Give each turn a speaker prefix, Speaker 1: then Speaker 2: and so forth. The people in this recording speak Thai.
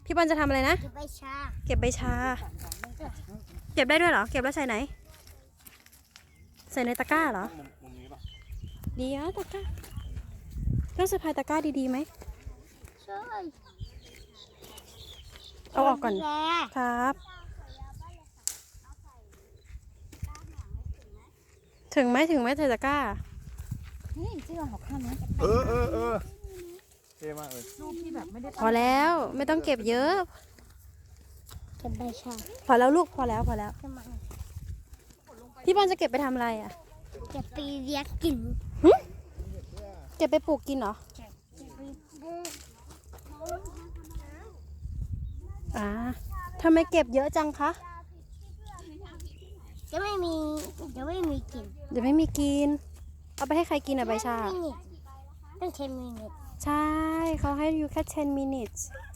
Speaker 1: พี่บอลจะทำอะไรนะ
Speaker 2: เก็บใบชา
Speaker 1: เก็บใบชา เก็บได้ด้วยเหรอ เก็บแล้วใส่ไหน ใส่ในตะกร้าเหรอ
Speaker 3: มุมนี้ป่ะ
Speaker 1: ดีอ่ะตะกร้าต้องสะพายตะกร้าดีๆไหม
Speaker 2: ใช่
Speaker 1: เอาออกก่อน
Speaker 2: แก
Speaker 1: ครับ ถึงไหมใส่ตะกร้า
Speaker 4: นี่ที่เราหักข้ามนะ
Speaker 3: เออเท่มากเลย
Speaker 4: รูปที่แบบไม่ได้
Speaker 1: พอแล้วไม่ต้องเก็บเยอะ
Speaker 2: เก็บใบชา
Speaker 1: พอแล้วลูกพอแล้ว
Speaker 2: ทำไม
Speaker 1: พี่บอลจะเก็บไปทำอะไรอ่ะ
Speaker 2: เก็บไปเลี้ยงกิน
Speaker 1: เก็บไปปลูกกินเหรอ
Speaker 2: เก็บไปปลูก
Speaker 1: ทำไมเก็บเยอะจังคะ
Speaker 2: จะไม่มีกิน
Speaker 1: เดี๋ยวไม่มีกิน เอาไปให้ใครกินอ่ะใบชา
Speaker 2: 10 minutes ต้อง10 minutes
Speaker 1: ใช่ เขาให้อยู่แค่10 minutes